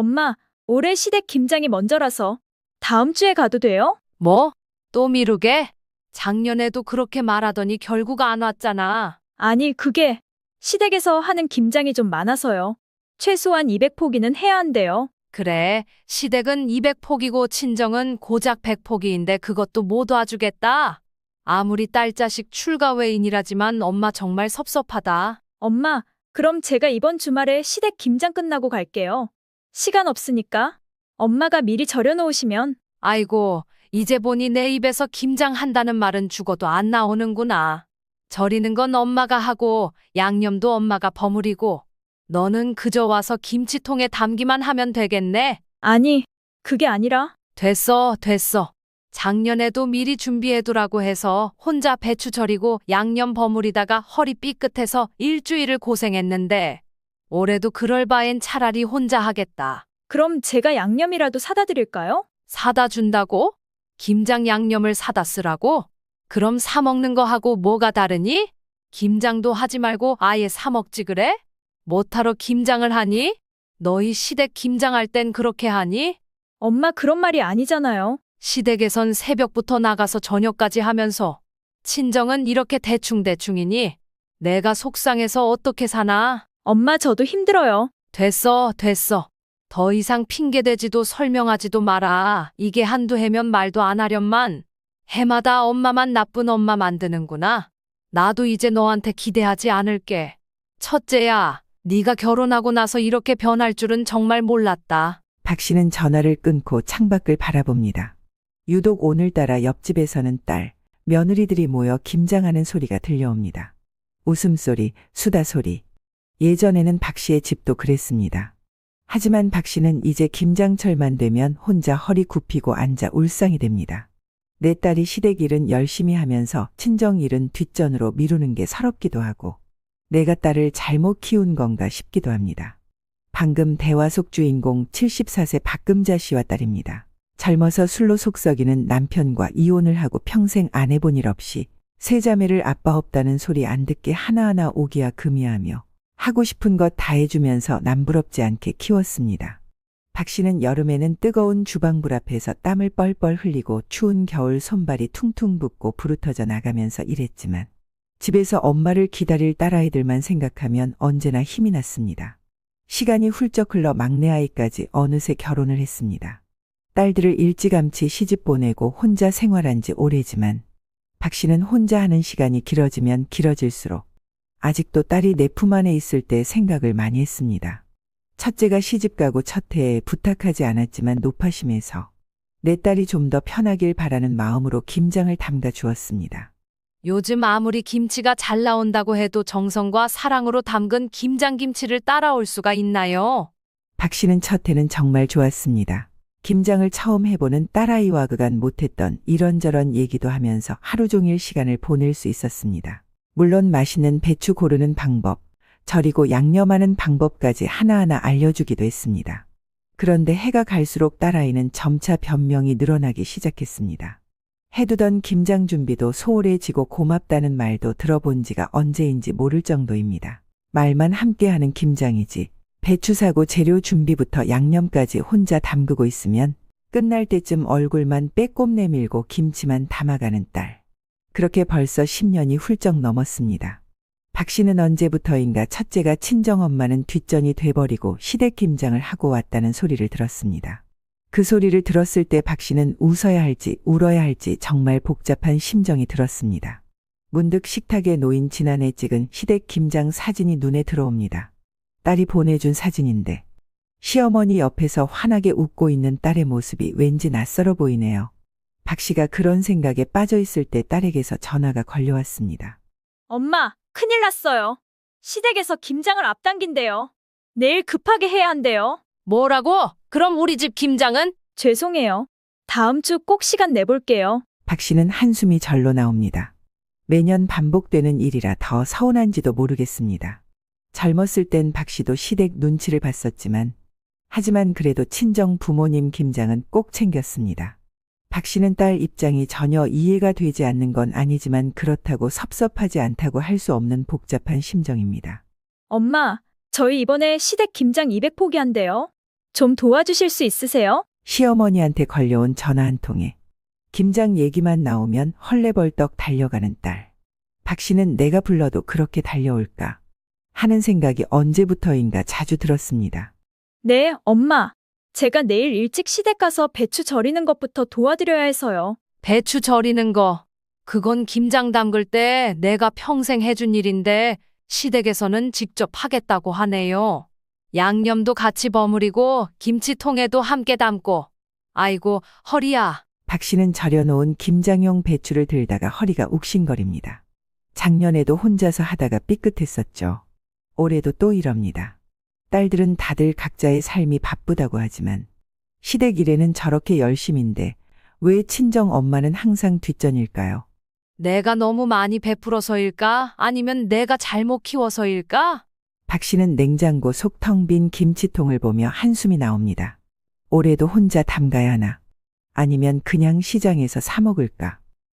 엄마, 올해 시댁 김장이 먼저라서 다음 주에 가도 돼요? 뭐? 또 미루게? 작년에도 그렇게 말하더니 결국 안 왔잖아. 아니, 그게 시댁에서 하는 김장이 좀 많아서요. 최소한 200포기는 해야 한대요. 그래, 시댁은 200포기고 친정은 고작 100포기인데 그것도 못 와주겠다. 아무리 딸자식 출가 외인이라지만 엄마 정말 섭섭하다. 엄마, 그럼 제가 이번 주말에 시댁 김장 끝나고 갈게요. 시간 없으니까. 엄마가 미리 절여놓으시면. 아이고, 이제 보니 내 입에서 김장한다는 말은 죽어도 안 나오는구나. 절이는 건 엄마가 하고 양념도 엄마가 버무리고 너는 그저 와서 김치통에 담기만 하면 되겠네. 아니, 그게 아니라. 됐어, 됐어. 작년에도 미리 준비해두라고 해서 혼자 배추 절이고 양념 버무리다가 허리 삐끗해서 일주일을 고생했는데 올해도 그럴 바엔 차라리 혼자 하겠다. 그럼 제가 양념이라도 사다 드릴까요? 사다 준다고? 김장 양념을 사다 쓰라고? 그럼 사 먹는 거 하고 뭐가 다르니? 김장도 하지 말고 아예 사 먹지 그래? 못하러 김장을 하니? 너희 시댁 김장할 땐 그렇게 하니? 엄마 그런 말이 아니잖아요. 시댁에선 새벽부터 나가서 저녁까지 하면서 친정은 이렇게 대충대충이니? 내가 속상해서 어떻게 사나? 엄마 저도 힘들어요. 됐어, 됐어. 더 이상 핑계대지도 설명하지도 마라. 이게 한두 해면 말도 안 하련만. 해마다 엄마만 나쁜 엄마 만드는구나. 나도 이제 너한테 기대하지 않을게. 첫째야, 네가 결혼하고 나서 이렇게 변할 줄은 정말 몰랐다. 박 씨는 전화를 끊고 창밖을 바라봅니다. 유독 오늘따라 옆집에서는 딸, 며느리들이 모여 김장하는 소리가 들려옵니다. 웃음소리, 수다소리. 예전에는 박 씨의 집도 그랬습니다. 하지만 박 씨는 이제 김장철만 되면 혼자 허리 굽히고 앉아 울상이 됩니다. 내 딸이 시댁 일은 열심히 하면서 친정 일은 뒷전으로 미루는 게 서럽기도 하고 내가 딸을 잘못 키운 건가 싶기도 합니다. 방금 대화 속 주인공 74세 박금자 씨와 딸입니다. 젊어서 술로 속썩이는 남편과 이혼을 하고 평생 안 해본 일 없이 세 자매를 아빠 없다는 소리 안 듣게 하나하나 오기야 금이하며 하고 싶은 것 다 해주면서 남부럽지 않게 키웠습니다. 박 씨는 여름에는 뜨거운 주방불 앞에서 땀을 뻘뻘 흘리고 추운 겨울 손발이 퉁퉁 붓고 부르터져 나가면서 일했지만 집에서 엄마를 기다릴 딸아이들만 생각하면 언제나 힘이 났습니다. 시간이 훌쩍 흘러 막내 아이까지 어느새 결혼을 했습니다. 딸들을 일찌감치 시집 보내고 혼자 생활한 지 오래지만 박 씨는 혼자 하는 시간이 길어지면 길어질수록 아직도 딸이 내 품 안에 있을 때 생각을 많이 했습니다. 첫째가 시집가고 첫 해에 부탁하지 않았지만 노파심에서 내 딸이 좀 더 편하길 바라는 마음으로 김장을 담가 주었습니다. 요즘 아무리 김치가 잘 나온다고 해도 정성과 사랑으로 담근 김장김치를 따라올 수가 있나요? 박 씨는 첫 해는 정말 좋았습니다. 김장을 처음 해보는 딸아이와 그간 못했던 이런저런 얘기도 하면서 하루 종일 시간을 보낼 수 있었습니다. 물론 맛있는 배추 고르는 방법, 절이고 양념하는 방법까지 하나하나 알려주기도 했습니다. 그런데 해가 갈수록 딸아이는 점차 변명이 늘어나기 시작했습니다. 해두던 김장 준비도 소홀해지고 고맙다는 말도 들어본 지가 언제인지 모를 정도입니다. 말만 함께하는 김장이지 배추 사고 재료 준비부터 양념까지 혼자 담그고 있으면 끝날 때쯤 얼굴만 빼꼼 내밀고 김치만 담아가는 딸. 그렇게 벌써 10년이 훌쩍 넘었습니다. 박 씨는 언제부터인가 첫째가 친정엄마는 뒷전이 돼버리고 시댁 김장을 하고 왔다는 소리를 들었습니다. 그 소리를 들었을 때 박 씨는 웃어야 할지 울어야 할지 정말 복잡한 심정이 들었습니다. 문득 식탁에 놓인 지난해 찍은 시댁 김장 사진이 눈에 들어옵니다. 딸이 보내준 사진인데 시어머니 옆에서 환하게 웃고 있는 딸의 모습이 왠지 낯설어 보이네요. 박 씨가 그런 생각에 빠져 있을 때 딸에게서 전화가 걸려왔습니다. 엄마, 큰일 났어요. 시댁에서 김장을 앞당긴대요. 내일 급하게 해야 한대요. 뭐라고? 그럼 우리 집 김장은? 죄송해요. 다음 주 꼭 시간 내볼게요. 박 씨는 한숨이 절로 나옵니다. 매년 반복되는 일이라 더 서운한지도 모르겠습니다. 젊었을 땐 박 씨도 시댁 눈치를 봤었지만 하지만 그래도 친정 부모님 김장은 꼭 챙겼습니다. 박 씨는 딸 입장이 전혀 이해가 되지 않는 건 아니지만 그렇다고 섭섭하지 않다고 할 수 없는 복잡한 심정입니다. 엄마, 저희 이번에 시댁 김장 200포기 한대요. 좀 도와주실 수 있으세요? 시어머니한테 걸려온 전화 한 통에 김장 얘기만 나오면 헐레벌떡 달려가는 딸. 박 씨는 내가 불러도 그렇게 달려올까 하는 생각이 언제부터인가 자주 들었습니다. 네, 엄마. 제가 내일 일찍 시댁 가서 배추 절이는 것부터 도와드려야 해서요. 배추 절이는 거. 그건 김장 담글 때 내가 평생 해준 일인데 시댁에서는 직접 하겠다고 하네요. 양념도 같이 버무리고 김치통에도 함께 담고. 아이고, 허리야. 박 씨는 절여놓은 김장용 배추를 들다가 허리가 욱신거립니다. 작년에도 혼자서 하다가 삐끗했었죠. 올해도 또 이럽니다. 딸들은 다들 각자의 삶이 바쁘다고 하지만 시댁 일에는 저렇게 열심인데 왜 친정 엄마는 항상 뒷전일까요? 내가 너무 많이 베풀어서일까? 아니면 내가 잘못 키워서일까? 박 씨는 냉장고 속 텅 빈 김치통을 보며 한숨이 나옵니다. 올해도 혼자 담가야 하나? 아니면 그냥 시장에서 사 먹을까?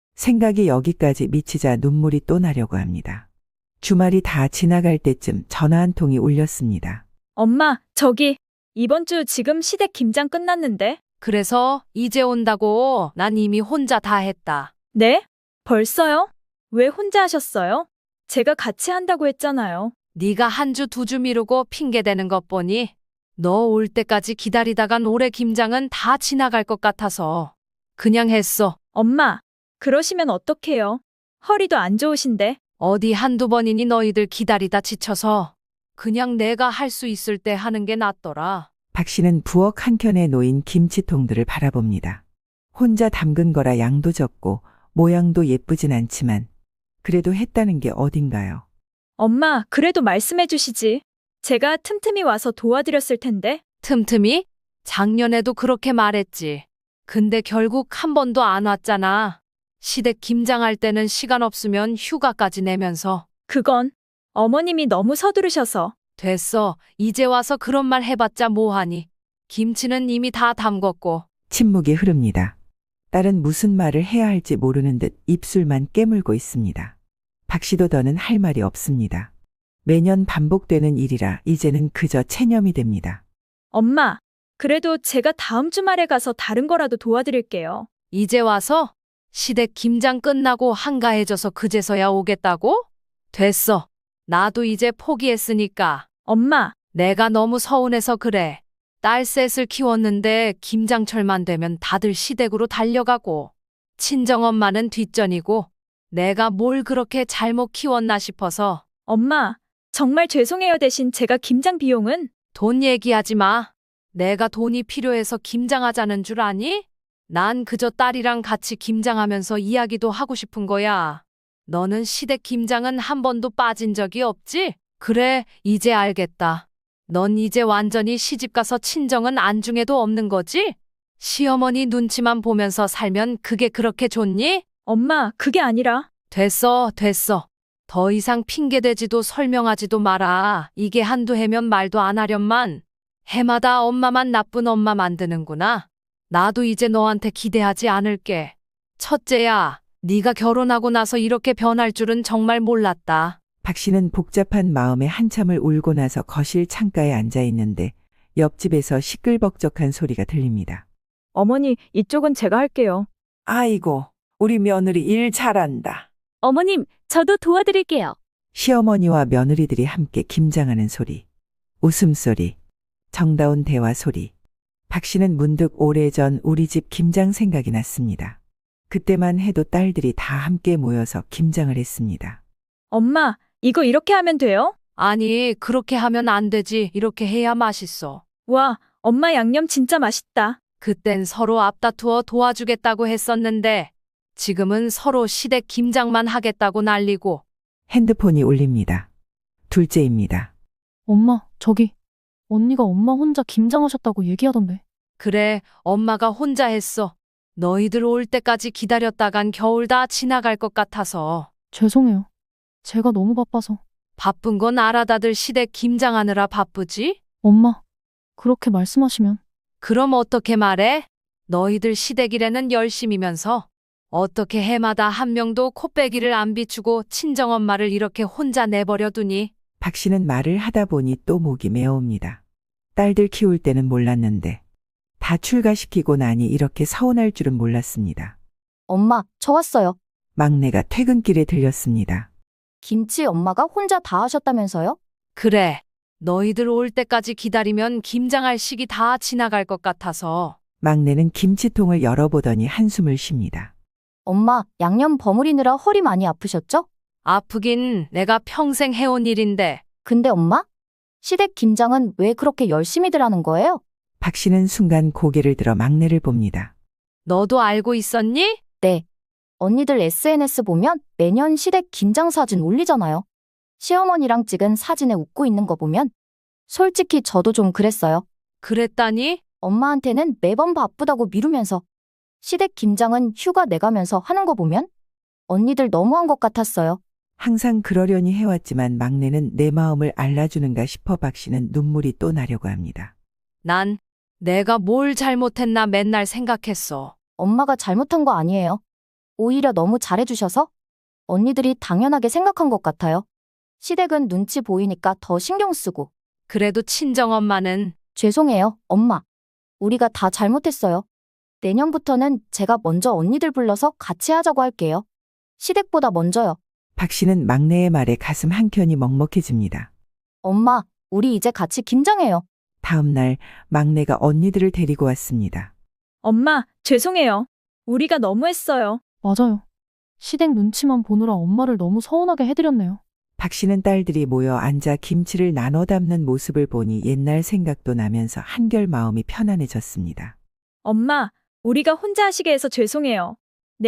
생각이 여기까지 미치자 눈물이 또 나려고 합니다. 주말이 다 지나갈 때쯤 전화 한 통이 울렸습니다. 엄마, 저기, 이번 주 지금 시댁 김장 끝났는데? 그래서 이제 온다고 난 이미 혼자 다 했다. 네? 벌써요? 왜 혼자 하셨어요? 제가 같이 한다고 했잖아요. 네가 한 주 두 주 미루고 핑계대는 것 보니 너 올 때까지 기다리다간 올해 김장은 다 지나갈 것 같아서 그냥 했어. 엄마, 그러시면 어떡해요? 허리도 안 좋으신데. 어디 한두 번이니 너희들 기다리다 지쳐서 그냥 내가 할 수 있을 때 하는 게 낫더라. 박 씨는 부엌 한켠에 놓인 김치통들을 바라봅니다. 혼자 담근 거라 양도 적고 모양도 예쁘진 않지만 그래도 했다는 게 어딘가요? 엄마, 그래도 말씀해 주시지. 제가 틈틈이 와서 도와드렸을 텐데. 틈틈이? 작년에도 그렇게 말했지. 근데 결국 한 번도 안 왔잖아. 시댁 김장할 때는 시간 없으면 휴가까지 내면서. 그건 어머님이 너무 서두르셔서. 됐어. 이제 와서 그런 말 해봤자 뭐하니. 김치는 이미 다 담궜고. 침묵이 흐릅니다. 딸은 무슨 말을 해야 할지 모르는 듯 입술만 깨물고 있습니다. 박 씨도 더는 할 말이 없습니다. 매년 반복되는 일이라 이제는 그저 체념이 됩니다. 엄마, 그래도 제가 다음 주말에 가서 다른 거라도 도와드릴게요. 이제 와서 시댁 김장 끝나고 한가해져서 그제서야 오겠다고? 됐어. 나도 이제 포기했으니까. 엄마, 내가 너무 서운해서 그래. 딸 셋을 키웠는데 김장철만 되면 다들 시댁으로 달려가고 친정엄마는 뒷전이고 내가 뭘 그렇게 잘못 키웠나 싶어서. 엄마, 정말 죄송해요. 대신 제가 김장 비용은? 돈 얘기하지 마. 내가 돈이 필요해서 김장하자는 줄 아니? 난 그저 딸이랑 같이 김장하면서 이야기도 하고 싶은 거야. 너는 시댁 김장은 한 번도 빠진 적이 없지? 그래, 이제 알겠다. 넌 이제 완전히 시집가서 친정은 안중에도 없는 거지? 시어머니 눈치만 보면서 살면 그게 그렇게 좋니? 엄마, 그게 아니라. 됐어, 됐어. 더 이상 핑계대지도 설명하지도 마라. 이게 한두 해면 말도 안 하련만. 해마다 엄마만 나쁜 엄마 만드는구나. 나도 이제 너한테 기대하지 않을게. 첫째야, 네가 결혼하고 나서 이렇게 변할 줄은 정말 몰랐다. 박 씨는 복잡한 마음에 한참을 울고 나서 거실 창가에 앉아 있는데 옆집에서 시끌벅적한 소리가 들립니다. 어머니, 이쪽은 제가 할게요. 아이고, 우리 며느리 일 잘한다. 어머님, 저도 도와드릴게요. 시어머니와 며느리들이 함께 김장하는 소리, 웃음소리, 정다운 대화 소리. 박 씨는 문득 오래전 우리 집 김장 생각이 났습니다. 그때만 해도 딸들이 다 함께 모여서 김장을 했습니다. 엄마, 이거 이렇게 하면 돼요? 아니, 그렇게 하면 안 되지. 이렇게 해야 맛있어. 와, 엄마 양념 진짜 맛있다. 그땐 서로 앞다투어 도와주겠다고 했었는데 지금은 서로 시댁 김장만 하겠다고 난리고. 핸드폰이 울립니다. 둘째입니다. 엄마, 저기, 언니가 엄마 혼자 김장하셨다고 얘기하던데. 그래, 엄마가 혼자 했어. 너희들 올 때까지 기다렸다간 겨울 다 지나갈 것 같아서. 죄송해요. 제가 너무 바빠서. 바쁜 건 알아. 다들 시댁 김장하느라 바쁘지? 엄마, 그렇게 말씀하시면. 그럼 어떻게 말해? 너희들 시댁 일에는 열심이면서 어떻게 해마다 한 명도 코빼기를 안 비추고 친정엄마를 이렇게 혼자 내버려 두니? 박 씨는 말을 하다 보니 또 목이 메어옵니다. 딸들 키울 때는 몰랐는데 다 출가시키고 나니 이렇게 서운할 줄은 몰랐습니다. 엄마, 저 왔어요. 막내가 퇴근길에 들렸습니다. 김치 엄마가 혼자 다 하셨다면서요? 그래. 너희들 올 때까지 기다리면 김장할 시기 다 지나갈 것 같아서. 막내는 김치통을 열어보더니 한숨을 쉽니다. 엄마, 양념 버무리느라 허리 많이 아프셨죠? 아프긴 내가 평생 해온 일인데. 근데 엄마? 시댁 김장은 왜 그렇게 열심히들 하는 거예요? 박 씨는 순간 고개를 들어 막내를 봅니다. 너도 알고 있었니? 네. 언니들 SNS 보면 매년 시댁 김장 사진 올리잖아요. 시어머니랑 찍은 사진에 웃고 있는 거 보면 솔직히 저도 좀 그랬어요. 그랬다니? 엄마한테는 매번 바쁘다고 미루면서 시댁 김장은 휴가 내가면서 하는 거 보면 언니들 너무한 것 같았어요. 항상 그러려니 해왔지만 막내는 내 마음을 알아주는가 싶어 박 씨는 눈물이 또 나려고 합니다. 난 내가 뭘 잘못했나 맨날 생각했어. 엄마가 잘못한 거 아니에요. 오히려 너무 잘해주셔서 언니들이 당연하게 생각한 것 같아요. 시댁은 눈치 보이니까 더 신경 쓰고. 그래도 친정엄마는 죄송해요, 엄마. 우리가 다 잘못했어요. 내년부터는 제가 먼저 언니들 불러서 같이 하자고 할게요. 시댁보다 먼저요. 박 씨는 막내의 말에 가슴 한켠이 먹먹해집니다. 엄마, 우리 이제 같이 김장해요. 다음 날 막내가 언니들을 데리고 왔습니다. 엄마, 죄송해요. 우리가 너무했어요. 맞아요. 시댁 눈치만 보느라 엄마를 너무 서운하게 해드렸네요. 박 씨는 딸들이 모여 앉아 김치를 나눠 담는 모습을 보니 옛날 생각도 나면서 한결 마음이 편안해졌습니다. 엄마, 우리가 혼자 하시게 해서 죄송해요.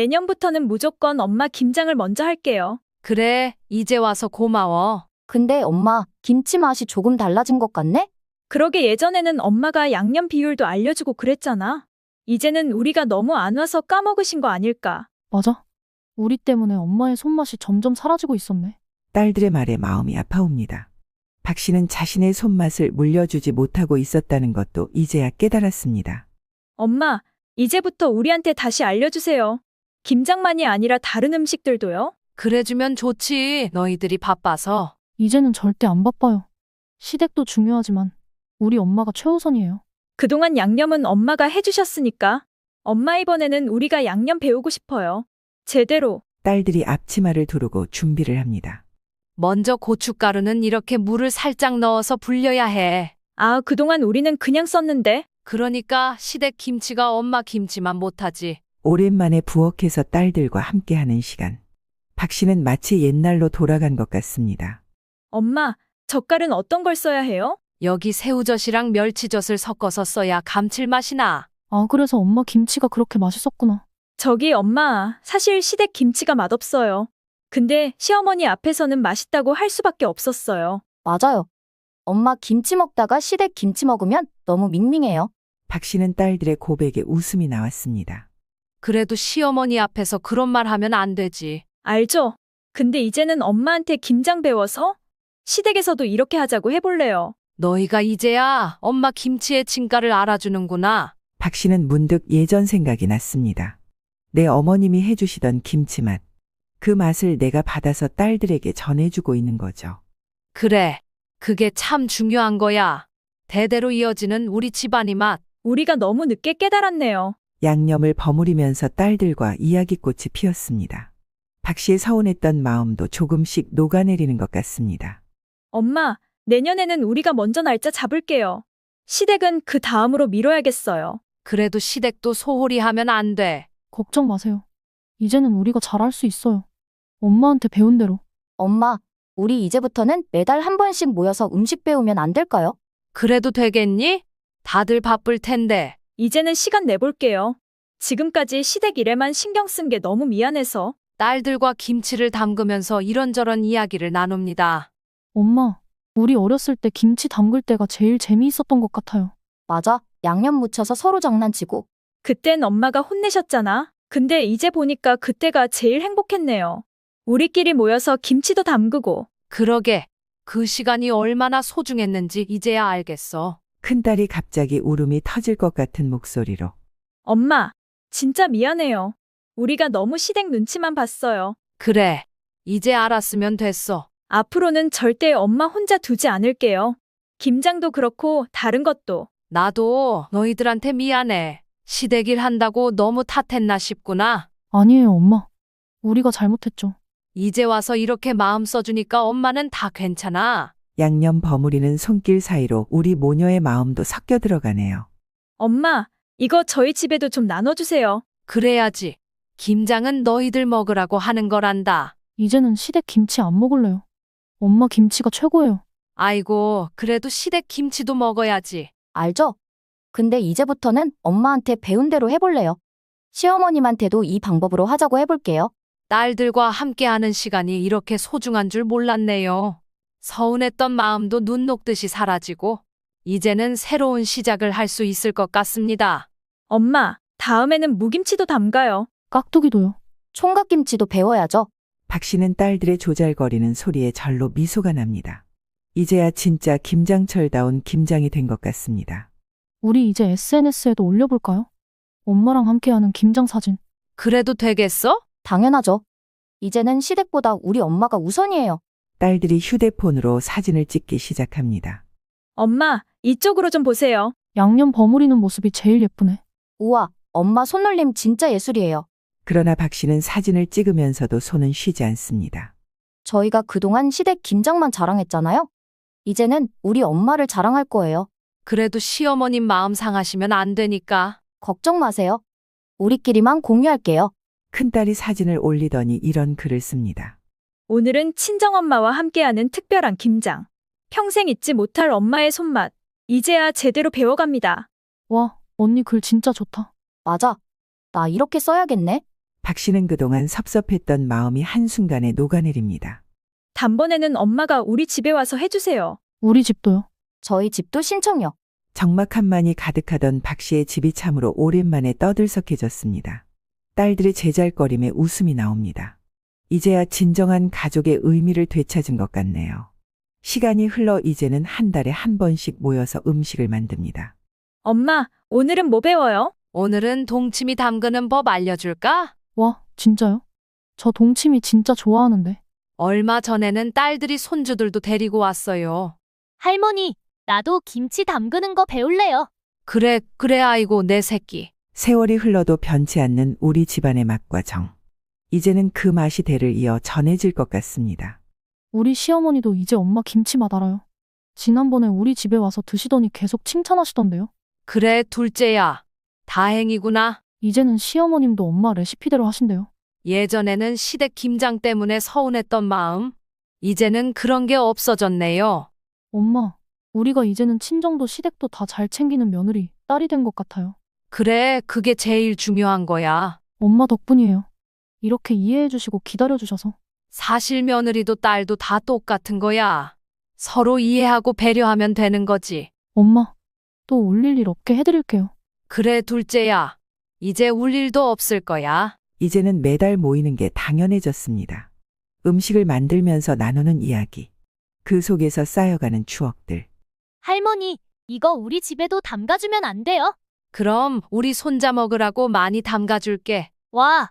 내년부터는 무조건 엄마 김장을 먼저 할게요. 그래, 이제 와서 고마워. 근데 엄마, 김치 맛이 조금 달라진 것 같네? 그러게 예전에는 엄마가 양념 비율도 알려주고 그랬잖아. 이제는 우리가 너무 안 와서 까먹으신 거 아닐까. 맞아. 우리 때문에 엄마의 손맛이 점점 사라지고 있었네. 딸들의 말에 마음이 아파옵니다. 박 씨는 자신의 손맛을 물려주지 못하고 있었다는 것도 이제야 깨달았습니다. 엄마, 이제부터 우리한테 다시 알려주세요. 김장만이 아니라 다른 음식들도요. 그래주면 좋지. 너희들이 바빠서. 이제는 절대 안 바빠요. 시댁도 중요하지만 우리 엄마가 최우선이에요. 그동안 양념은 엄마가 해주셨으니까. 엄마 이번에는 우리가 양념 배우고 싶어요. 제대로. 딸들이 앞치마를 두르고 준비를 합니다. 먼저 고춧가루는 이렇게 물을 살짝 넣어서 불려야 해. 아, 그동안 우리는 그냥 썼는데. 그러니까 시댁 김치가 엄마 김치만 못하지. 오랜만에 부엌에서 딸들과 함께하는 시간. 박 씨는 마치 옛날로 돌아간 것 같습니다. 엄마, 젓갈은 어떤 걸 써야 해요? 여기 새우젓이랑 멸치젓을 섞어서 써야 감칠맛이 나. 아, 그래서 엄마 김치가 그렇게 맛있었구나. 저기 엄마, 사실 시댁 김치가 맛없어요. 근데 시어머니 앞에서는 맛있다고 할 수밖에 없었어요. 맞아요. 엄마 김치 먹다가 시댁 김치 먹으면 너무 밍밍해요. 박 씨는 딸들의 고백에 웃음이 나왔습니다. 그래도 시어머니 앞에서 그런 말 하면 안 되지. 알죠? 근데 이제는 엄마한테 김장 배워서 시댁에서도 이렇게 하자고 해볼래요. 너희가 이제야 엄마 김치의 진가를 알아주는구나. 박 씨는 문득 예전 생각이 났습니다. 내 어머님이 해주시던 김치맛. 그 맛을 내가 받아서 딸들에게 전해주고 있는 거죠. 그래, 그게 참 중요한 거야. 대대로 이어지는 우리 집안의 맛. 우리가 너무 늦게 깨달았네요. 양념을 버무리면서 딸들과 이야기꽃이 피었습니다. 박 씨의 서운했던 마음도 조금씩 녹아내리는 것 같습니다. 엄마, 내년에는 우리가 먼저 날짜 잡을게요. 시댁은 그 다음으로 미뤄야겠어요. 그래도 시댁도 소홀히 하면 안 돼. 걱정 마세요. 이제는 우리가 잘할 수 있어요. 엄마한테 배운 대로. 엄마, 우리 이제부터는 매달 한 번씩 모여서 음식 배우면 안 될까요? 그래도 되겠니? 다들 바쁠 텐데. 이제는 시간 내볼게요. 지금까지 시댁 일에만 신경 쓴 게 너무 미안해서. 딸들과 김치를 담그면서 이런저런 이야기를 나눕니다. 엄마, 우리 어렸을 때 김치 담글 때가 제일 재미있었던 것 같아요. 맞아. 양념 묻혀서 서로 장난치고. 그땐 엄마가 혼내셨잖아. 근데 이제 보니까 그때가 제일 행복했네요. 우리끼리 모여서 김치도 담그고. 그러게, 그 시간이 얼마나 소중했는지 이제야 알겠어. 큰딸이 갑자기 울음이 터질 것 같은 목소리로 엄마, 진짜 미안해요. 우리가 너무 시댁 눈치만 봤어요. 그래, 이제 알았으면 됐어. 앞으로는 절대 엄마 혼자 두지 않을게요. 김장도 그렇고 다른 것도. 나도 너희들한테 미안해. 시댁일 한다고 너무 탓했나 싶구나. 아니에요, 엄마. 우리가 잘못했죠. 이제 와서 이렇게 마음 써주니까 엄마는 다 괜찮아. 양념 버무리는 손길 사이로 우리 모녀의 마음도 섞여 들어가네요. 엄마, 이거 저희 집에도 좀 나눠주세요. 그래야지. 김장은 너희들 먹으라고 하는 거란다. 이제는 시댁 김치 안 먹을래요. 엄마 김치가 최고예요. 아이고, 그래도 시댁 김치도 먹어야지. 알죠? 근데 이제부터는 엄마한테 배운 대로 해볼래요. 시어머님한테도 이 방법으로 하자고 해볼게요. 딸들과 함께하는 시간이 이렇게 소중한 줄 몰랐네요. 서운했던 마음도 눈 녹듯이 사라지고 이제는 새로운 시작을 할 수 있을 것 같습니다. 엄마, 다음에는 무김치도 담가요. 깍두기도요. 총각김치도 배워야죠. 박 씨는 딸들의 조잘거리는 소리에 절로 미소가 납니다. 이제야 진짜 김장철다운 김장이 된 것 같습니다. 우리 이제 SNS에도 올려볼까요? 엄마랑 함께하는 김장 사진. 그래도 되겠어? 당연하죠. 이제는 시댁보다 우리 엄마가 우선이에요. 딸들이 휴대폰으로 사진을 찍기 시작합니다. 엄마, 이쪽으로 좀 보세요. 양념 버무리는 모습이 제일 예쁘네. 우와, 엄마 손놀림 진짜 예술이에요. 그러나 박 씨는 사진을 찍으면서도 손은 쉬지 않습니다. 저희가 그동안 시댁 김장만 자랑했잖아요. 이제는 우리 엄마를 자랑할 거예요. 그래도 시어머님 마음 상하시면 안 되니까. 걱정 마세요. 우리끼리만 공유할게요. 큰딸이 사진을 올리더니 이런 글을 씁니다. 오늘은 친정엄마와 함께하는 특별한 김장. 평생 잊지 못할 엄마의 손맛. 이제야 제대로 배워갑니다. 와, 언니 글 진짜 좋다. 맞아. 나 이렇게 써야겠네. 박 씨는 그동안 섭섭했던 마음이 한순간에 녹아내립니다. 단번에는 엄마가 우리 집에 와서 해주세요. 우리 집도요. 저희 집도 신청요. 적막함만이 가득하던 박 씨의 집이 참으로 오랜만에 떠들썩해졌습니다. 딸들의 제잘거림에 웃음이 나옵니다. 이제야 진정한 가족의 의미를 되찾은 것 같네요. 시간이 흘러 이제는 한 달에 한 번씩 모여서 음식을 만듭니다. 엄마, 오늘은 뭐 배워요? 오늘은 동치미 담그는 법 알려줄까? 와, 진짜요? 저 동치미 진짜 좋아하는데. 얼마 전에는 딸들이 손주들도 데리고 왔어요. 할머니, 나도 김치 담그는 거 배울래요. 그래, 아이고, 내 새끼. 세월이 흘러도 변치 않는 우리 집안의 맛과 정. 이제는 그 맛이 대를 이어 전해질 것 같습니다. 우리 시어머니도 이제 엄마 김치 맛 알아요. 지난번에 우리 집에 와서 드시더니 계속 칭찬하시던데요. 그래, 둘째야. 다행이구나. 이제는 시어머님도 엄마 레시피대로 하신대요. 예전에는 시댁 김장 때문에 서운했던 마음. 이제는 그런 게 없어졌네요. 엄마, 우리가 이제는 친정도 시댁도 다 잘 챙기는 며느리, 딸이 된 것 같아요. 그래, 그게 제일 중요한 거야. 엄마 덕분이에요. 이렇게 이해해주시고 기다려주셔서. 사실 며느리도 딸도 다 똑같은 거야. 서로 이해하고 배려하면 되는 거지. 엄마, 또 울릴 일 없게 해드릴게요. 그래, 둘째야. 이제 울 일도 없을 거야. 이제는 매달 모이는 게 당연해졌습니다. 음식을 만들면서 나누는 이야기. 그 속에서 쌓여가는 추억들. 할머니, 이거 우리 집에도 담가주면 안 돼요? 그럼 우리 손자 먹으라고 많이 담가줄게. 와,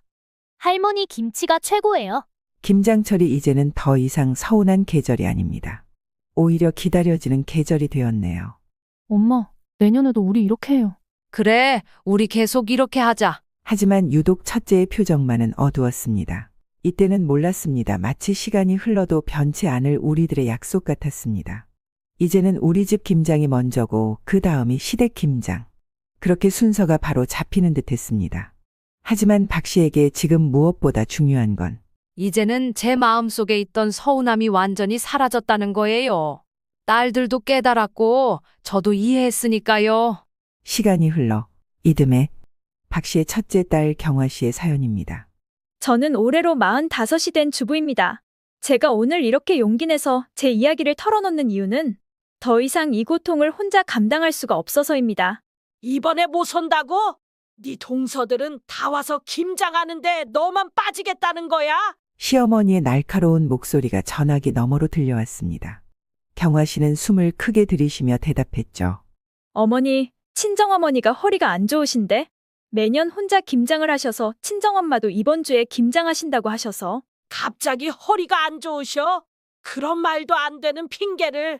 할머니 김치가 최고예요. 김장철이 이제는 더 이상 서운한 계절이 아닙니다. 오히려 기다려지는 계절이 되었네요. 엄마, 내년에도 우리 이렇게 해요. 그래, 우리 계속 이렇게 하자. 하지만 유독 첫째의 표정만은 어두웠습니다. 이때는 몰랐습니다. 마치 시간이 흘러도 변치 않을 우리들의 약속 같았습니다. 이제는 우리 집 김장이 먼저고 그 다음이 시댁 김장. 그렇게 순서가 바로 잡히는 듯 했습니다. 하지만 박 씨에게 지금 무엇보다 중요한 건 이제는 제 마음속에 있던 서운함이 완전히 사라졌다는 거예요. 딸들도 깨달았고 저도 이해했으니까요. 시간이 흘러 이듬해 박 씨의 첫째 딸 경화 씨의 사연입니다. 저는 올해로 45이 된 주부입니다. 제가 오늘 이렇게 용기 내서 제 이야기를 털어놓는 이유는 더 이상 이 고통을 혼자 감당할 수가 없어서입니다. 이번에 못 온다고? 네 동서들은 다 와서 김장하는데 너만 빠지겠다는 거야? 시어머니의 날카로운 목소리가 전화기 너머로 들려왔습니다. 경화 씨는 숨을 크게 들이쉬며 대답했죠. 어머니, 친정어머니가 허리가 안 좋으신데 매년 혼자 김장을 하셔서 친정엄마도 이번 주에 김장하신다고 하셔서 갑자기 허리가 안 좋으셔? 그런 말도 안 되는 핑계를.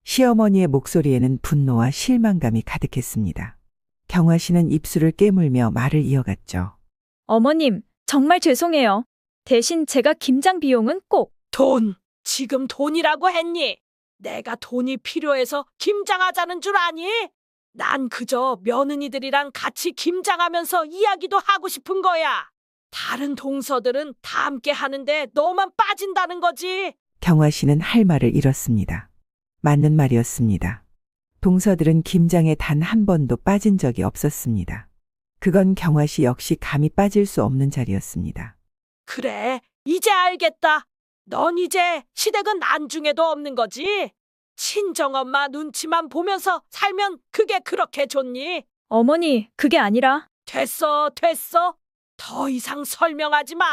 시어머니의 목소리에는 분노와 실망감이 가득했습니다. 경화 씨는 입술을 깨물며 말을 이어갔죠. 어머님, 정말 죄송해요. 대신 제가 김장 비용은 꼭. 돈. 지금 돈이라고 했니? 내가 돈이 필요해서 김장하자는 줄 아니? 난 그저 며느리들이랑 같이 김장하면서 이야기도 하고 싶은 거야. 다른 동서들은 다 함께 하는데 너만 빠진다는 거지. 경화 씨는 할 말을 잃었습니다. 맞는 말이었습니다. 동서들은 김장에 단 한 번도 빠진 적이 없었습니다. 그건 경화 씨 역시 감히 빠질 수 없는 자리였습니다. 그래, 이제 알겠다. 넌 이제 시댁은 안중에도 없는 거지? 친정엄마 눈치만 보면서 살면 그게 그렇게 좋니? 어머니, 그게 아니라. 됐어, 됐어. 더 이상 설명하지 마.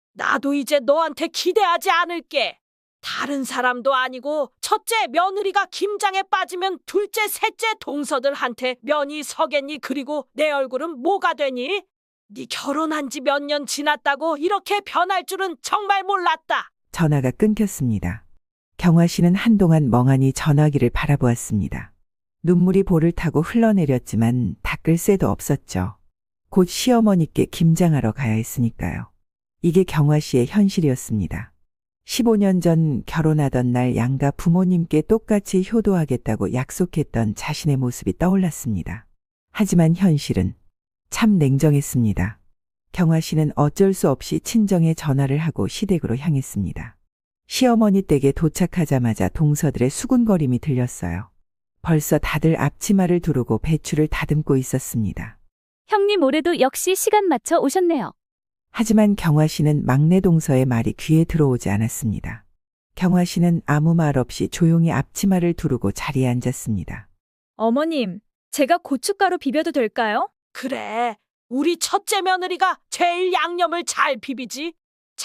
나도 이제 너한테 기대하지 않을게. 다른 사람도 아니고 첫째 며느리가 김장에 빠지면 둘째, 셋째 동서들한테 면이 서겠니? 그리고 내 얼굴은 뭐가 되니? 네 결혼한 지 몇 년 지났다고 이렇게 변할 줄은 정말 몰랐다. 전화가 끊겼습니다. 경화 씨는 한동안 멍하니 전화기를 바라보았습니다. 눈물이 볼을 타고 흘러내렸지만 닦을 새도 없었죠. 곧 시어머니께 김장하러 가야 했으니까요. 이게 경화 씨의 현실이었습니다. 15년 전 결혼하던 날 양가 부모님께 똑같이 효도하겠다고 약속했던 자신의 모습이 떠올랐습니다. 하지만 현실은 참 냉정했습니다. 경화 씨는 어쩔 수 없이 친정에 전화를 하고 시댁으로 향했습니다. 시어머니 댁에 도착하자마자 동서들의 수군거림이 들렸어요. 벌써 다들 앞치마를 두르고 배추를 다듬고 있었습니다. 형님 올해도 역시 시간 맞춰 오셨네요. 하지만 경화 씨는 막내 동서의 말이 귀에 들어오지 않았습니다. 경화 씨는 아무 말 없이 조용히 앞치마를 두르고 자리에 앉았습니다. 어머님, 제가 고춧가루 비벼도 될까요? 그래, 우리 첫째 며느리가 제일 양념을 잘 비비지.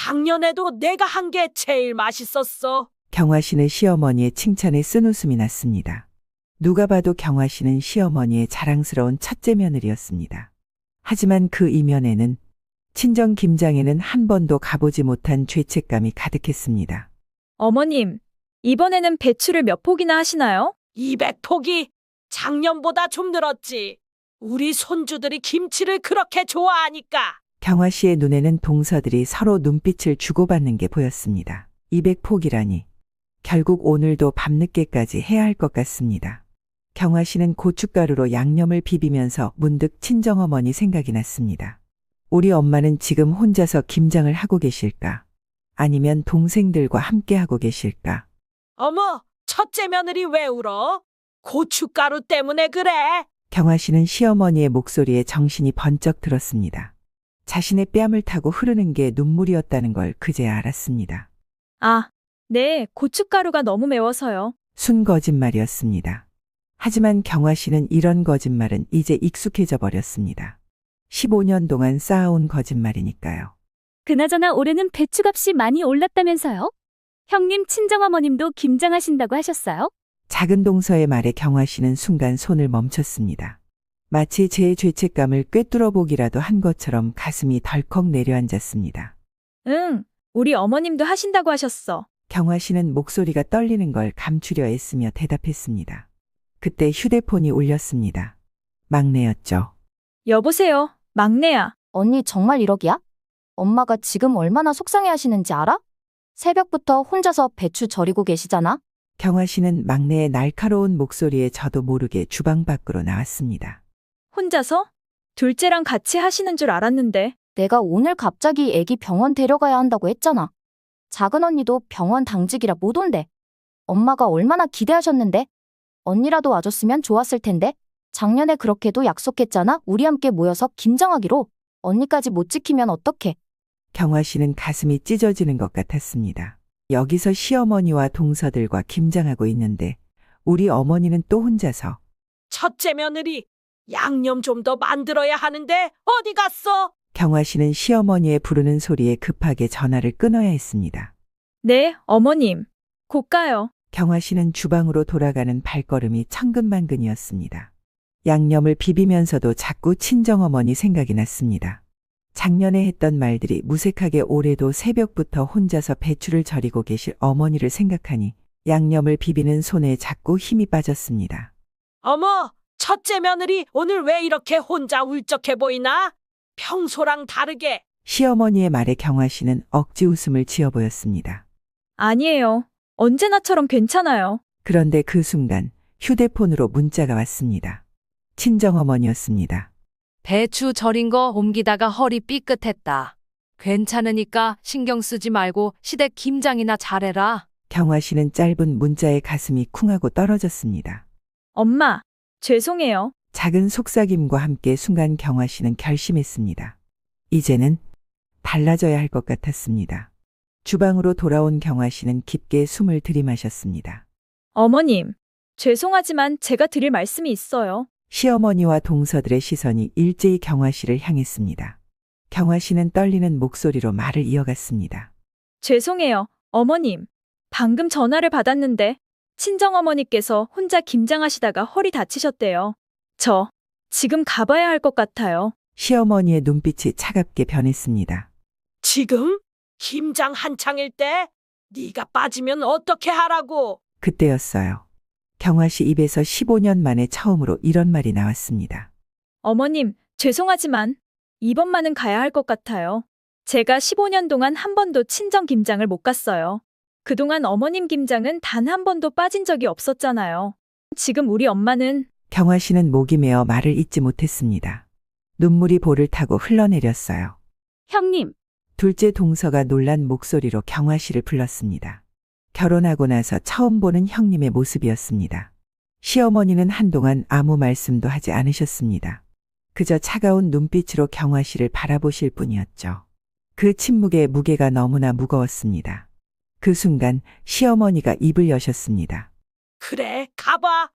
작년에도 내가 한 게 제일 맛있었어. 경화 씨는 시어머니의 칭찬에 쓴웃음이 났습니다. 누가 봐도 경화 씨는 시어머니의 자랑스러운 첫째 며느리였습니다. 하지만 그 이면에는 친정 김장에는 한 번도 가보지 못한 죄책감이 가득했습니다. 어머님, 이번에는 배추를 몇 포기나 하시나요? 200포기. 작년보다 좀 늘었지. 우리 손주들이 김치를 그렇게 좋아하니까. 경화 씨의 눈에는 동서들이 서로 눈빛을 주고받는 게 보였습니다. 200포기라니. 결국 오늘도 밤늦게까지 해야 할 것 같습니다. 경화 씨는 고춧가루로 양념을 비비면서 문득 친정어머니 생각이 났습니다. 우리 엄마는 지금 혼자서 김장을 하고 계실까? 아니면 동생들과 함께 하고 계실까? 어머, 첫째 며느리 왜 울어? 고춧가루 때문에 그래. 경화 씨는 시어머니의 목소리에 정신이 번쩍 들었습니다. 자신의 뺨을 타고 흐르는 게 눈물이었다는 걸 그제야 알았습니다. 아, 네, 고춧가루가 너무 매워서요. 순 거짓말이었습니다. 하지만 경화 씨는 이런 거짓말은 이제 익숙해져 버렸습니다. 15년 동안 쌓아온 거짓말이니까요. 그나저나 올해는 배추값이 많이 올랐다면서요? 형님 친정어머님도 김장하신다고 하셨어요? 작은 동서의 말에 경화 씨는 순간 손을 멈췄습니다. 마치 제 죄책감을 꿰뚫어 보기라도 한 것처럼 가슴이 덜컥 내려앉았습니다. 응, 우리 어머님도 하신다고 하셨어. 경화 씨는 목소리가 떨리는 걸 감추려 애쓰며 대답했습니다. 그때 휴대폰이 울렸습니다. 막내였죠. 여보세요, 막내야. 언니 정말 1억이야? 엄마가 지금 얼마나 속상해 하시는지 알아? 새벽부터 혼자서 배추 절이고 계시잖아? 경화 씨는 막내의 날카로운 목소리에 저도 모르게 주방 밖으로 나왔습니다. 혼자서? 둘째랑 같이 하시는 줄 알았는데. 내가 오늘 갑자기 애기 병원 데려가야 한다고 했잖아. 작은 언니도 병원 당직이라 못 온대. 엄마가 얼마나 기대하셨는데? 언니라도 와줬으면 좋았을 텐데. 작년에 그렇게도 약속했잖아. 우리 함께 모여서 김장하기로. 언니까지 못 지키면 어떡해. 경화 씨는 가슴이 찢어지는 것 같았습니다. 여기서 시어머니와 동서들과 김장하고 있는데 우리 어머니는 또 혼자서. 첫째 며느리, 양념 좀 더 만들어야 하는데 어디 갔어? 경화 씨는 시어머니의 부르는 소리에 급하게 전화를 끊어야 했습니다. 네, 어머님. 곧 가요. 경화 씨는 주방으로 돌아가는 발걸음이 천근만근이었습니다. 양념을 비비면서도 자꾸 친정어머니 생각이 났습니다. 작년에 했던 말들이 무색하게 올해도 새벽부터 혼자서 배추를 절이고 계실 어머니를 생각하니 양념을 비비는 손에 자꾸 힘이 빠졌습니다. 어머, 첫째 며느리 오늘 왜 이렇게 혼자 울적해 보이나? 평소랑 다르게. 시어머니의 말에 경화 씨는 억지 웃음을 지어 보였습니다. 아니에요. 언제나처럼 괜찮아요. 그런데 그 순간 휴대폰으로 문자가 왔습니다. 친정어머니였습니다. 배추 절인 거 옮기다가 허리 삐끗했다. 괜찮으니까 신경 쓰지 말고 시댁 김장이나 잘해라. 경화 씨는 짧은 문자에 가슴이 쿵하고 떨어졌습니다. 엄마, 죄송해요. 작은 속삭임과 함께 순간 경화 씨는 결심했습니다. 이제는 달라져야 할 것 같았습니다. 주방으로 돌아온 경화 씨는 깊게 숨을 들이마셨습니다. 어머님, 죄송하지만 제가 드릴 말씀이 있어요. 시어머니와 동서들의 시선이 일제히 경화 씨를 향했습니다. 경화 씨는 떨리는 목소리로 말을 이어갔습니다. 죄송해요, 어머님. 방금 전화를 받았는데 친정어머니께서 혼자 김장하시다가 허리 다치셨대요. 저 지금 가봐야 할 것 같아요. 시어머니의 눈빛이 차갑게 변했습니다. 지금? 김장 한창일 때? 네가 빠지면 어떻게 하라고? 그때였어요. 경화 씨 입에서 15년 만에 처음으로 이런 말이 나왔습니다. 어머님, 죄송하지만 이번만은 가야 할 것 같아요. 제가 15년 동안 한 번도 친정 김장을 못 갔어요. 그동안 어머님 김장은 단 한 번도 빠진 적이 없었잖아요. 지금 우리 엄마는 경화 씨는 목이 메어 말을 잇지 못했습니다. 눈물이 볼을 타고 흘러내렸어요. 형님, 둘째 동서가 놀란 목소리로 경화 씨를 불렀습니다. 결혼하고 나서 처음 보는 형님의 모습이었습니다. 시어머니는 한동안 아무 말씀도 하지 않으셨습니다. 그저 차가운 눈빛으로 경화 씨를 바라보실 뿐이었죠. 그 침묵의 무게가 너무나 무거웠습니다. 그 순간 시어머니가 입을 여셨습니다. 그래, 가봐.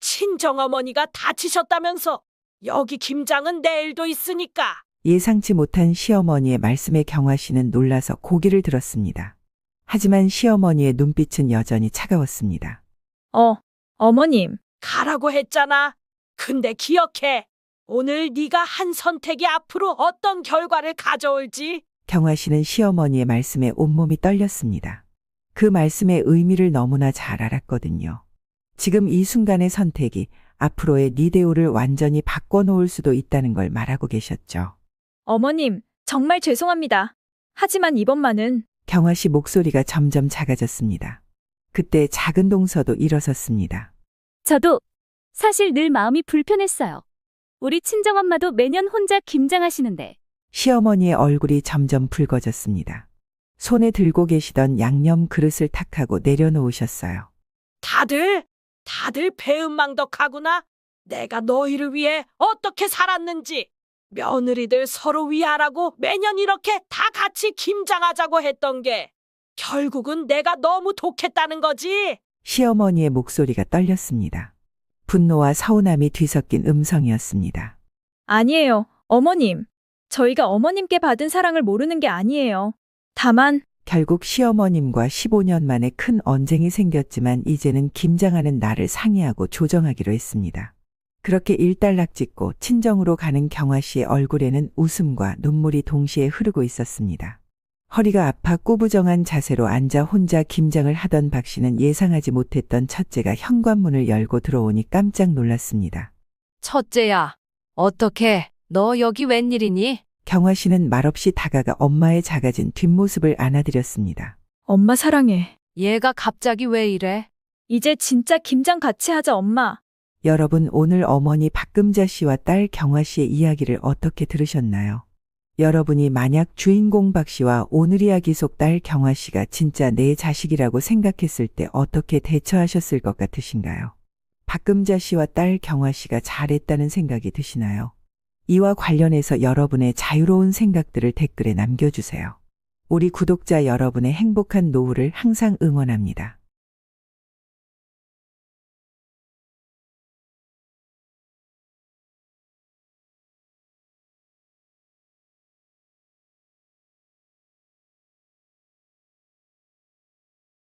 친정어머니가 다치셨다면서. 여기 김장은 내일도 있으니까. 예상치 못한 시어머니의 말씀에 경화 씨는 놀라서 고개를 들었습니다. 하지만 시어머니의 눈빛은 여전히 차가웠습니다. 어머님, 가라고 했잖아. 근데 기억해. 오늘 네가 한 선택이 앞으로 어떤 결과를 가져올지. 경화 씨는 시어머니의 말씀에 온몸이 떨렸습니다. 그 말씀의 의미를 너무나 잘 알았거든요. 지금 이 순간의 선택이 앞으로의 니데오를 완전히 바꿔놓을 수도 있다는 걸 말하고 계셨죠. 어머님, 정말 죄송합니다. 하지만 이번만은 경화 씨 목소리가 점점 작아졌습니다. 그때 작은 동서도 일어섰습니다. 저도 사실 늘 마음이 불편했어요. 우리 친정엄마도 매년 혼자 김장하시는데 시어머니의 얼굴이 점점 붉어졌습니다. 손에 들고 계시던 양념 그릇을 탁하고 내려놓으셨어요. 다들 배은망덕하구나. 내가 너희를 위해 어떻게 살았는지. 며느리들 서로 위하라고 매년 이렇게 다 같이 김장하자고 했던 게 결국은 내가 너무 독했다는 거지. 시어머니의 목소리가 떨렸습니다. 분노와 서운함이 뒤섞인 음성이었습니다. 아니에요, 어머님. 저희가 어머님께 받은 사랑을 모르는 게 아니에요. 다만 결국 시어머님과 15년 만에 큰 언쟁이 생겼지만 이제는 김장하는 날을 상의하고 조정하기로 했습니다. 그렇게 일단락짓고 친정으로 가는 경화 씨의 얼굴에는 웃음과 눈물이 동시에 흐르고 있었습니다. 허리가 아파 꾸부정한 자세로 앉아 혼자 김장을 하던 박 씨는 예상하지 못했던 첫째가 현관문을 열고 들어오니 깜짝 놀랐습니다. 첫째야, 어떻게? 너 여기 웬일이니? 경화 씨는 말없이 다가가 엄마의 작아진 뒷모습을 안아드렸습니다. 엄마 사랑해. 얘가 갑자기 왜 이래? 이제 진짜 김장 같이 하자, 엄마. 여러분, 오늘 어머니 박금자 씨와 딸 경화 씨의 이야기를 어떻게 들으셨나요? 여러분이 만약 주인공 박 씨와 오늘 이야기 속 딸 경화 씨가 진짜 내 자식이라고 생각했을 때 어떻게 대처하셨을 것 같으신가요? 박금자 씨와 딸 경화 씨가 잘했다는 생각이 드시나요? 이와 관련해서 여러분의 자유로운 생각들을 댓글에 남겨주세요. 우리 구독자 여러분의 행복한 노후를 항상 응원합니다.